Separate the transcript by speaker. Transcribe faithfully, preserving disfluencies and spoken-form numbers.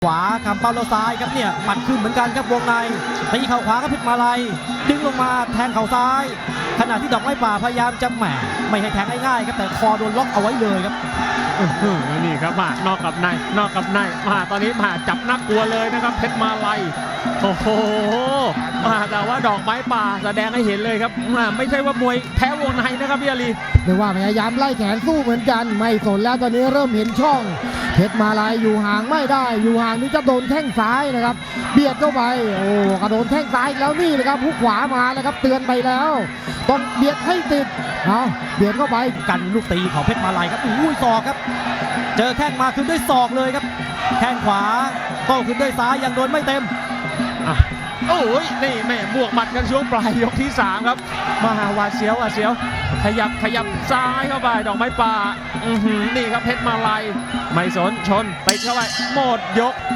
Speaker 1: ขวาคำเป้าแล้วซ้ายครับเนี่ยหมัดขึ้นเหมือนกันครับวงในตีเข่าขวาครับเพชรมาลัยดึงลงมาแทงเข่าซ้ายขณะที่ดอกไม้ป่าพยายามจะแหมไม่ให้แทงง่ายๆครับแต่คอโดนล็อกเอาไว้เลยครับ
Speaker 2: นี่ครับมานอกกับในนอกกับในมาตอนนี้มาจับนักกลัวเลยนะครับเพชรมาลัยโอ้โหมาแต่ว่าดอกไม้ป่าแสดงให้เห็นเลยครับไม่ใช่ว่ามวยแพ้วงในนะครับพี่อาลี
Speaker 3: เรียกว่าพยายามไล่แขนสู้เหมือนกันไม่สนแล้วตอนนี้เริ่มเห็นช่องเพชรมาลัยอยู่ห่างไม่ได้อยู่ห่างนี่จะโดนแข้งซ้ายนะครับเบียดเข้าไปโอ้กระโดนแข้งซ้ายแล้วนี่เลยครับหุกขวามาแล้วครับเตือนไปแล้วต้องเบียดให้ติดเอาเบียดเข้าไป
Speaker 1: กันลูกตีของเพชรมาลัยครับอุ้ยศอกครับเจอแข้งมาคืนด้วยศอกเลยครับแข้งขวาโต้คืนด้วยซ้ายยังโดนไม่เต็ม
Speaker 2: โอ้ยนี่แม่บวกหมัดกันช่วงปลายยกที่สามครับมาหวาดเสียวหวาดเสียวขยับขยับซ้ายเข้าไปดอกไม้ป่าอือหือนี่ครับเพชรมาลัยไม่สนชนไปเข้าไปหมดยก